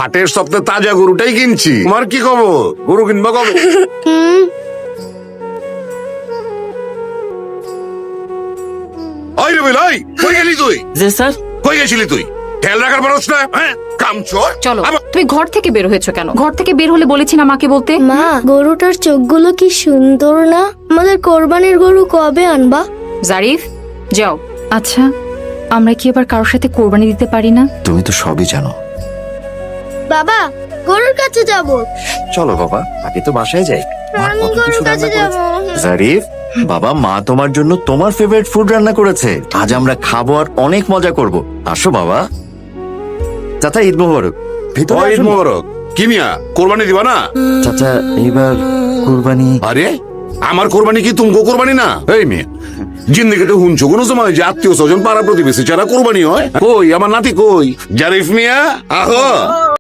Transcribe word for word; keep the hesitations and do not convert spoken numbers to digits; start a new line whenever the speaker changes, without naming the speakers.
হাটের সপ্তাহে তাজা গরুটাই কিনছি। তোমার কি খবর? গরু কিনবা কবে? ওই রে ভাই, ওই, কই গেলি তুই?
জি স্যার।
কই গেছিলি তুই? খেয়াল রাখার পারছ না? হ্যাঁ, কামচোর।
চলো,
আবার-
তুমি ঘর থেকে বের হয়েছো কেন? ঘর থেকে বের হলে বলেছি না মাকে বলতে।
মা, গরুটার চোখগুলো কি সুন্দর না? আমাদের কোরবানির গরু কবে আনবা?
জারিফ, যাও। আচ্ছা, আমরা কি এবার কারোর সাথে কোরবানি দিতে পারি না?
তুমি তো সবই জানো।
বাবা, গরুর কাছে যাব।
চলো বাবা, আগে তো বাসায় যাই। মা
আমি
কত
গরুর
কিছু
কাছে
রান্না
যাব।
করেছে। জারিফ, বাবা, মা তোমার জন্য তোমার ফেভারিট ফুড রান্না করেছে। আজ আমরা খাবো আর অনেক মজা করব। আসো বাবা। চাচা, ঈদ মোবারক। ভিতরে
ওই ঈদ
আসুন।
মোবারক। কি মিয়া, কোরবানি দিবা না?
চাচা, এইবার কুরবানি।
আরে আমার কোরবানি কি তুমকো কোরবানি না? এই মেয়ে, জিন্দিগিতে হুনছো কোনো সময় যে আত্মীয় স্বজন পাড়া প্রতিবেশী ছাড়া কোরবানি হয়? কই আমার নাতি কই? জারিফ মিয়া, আহো।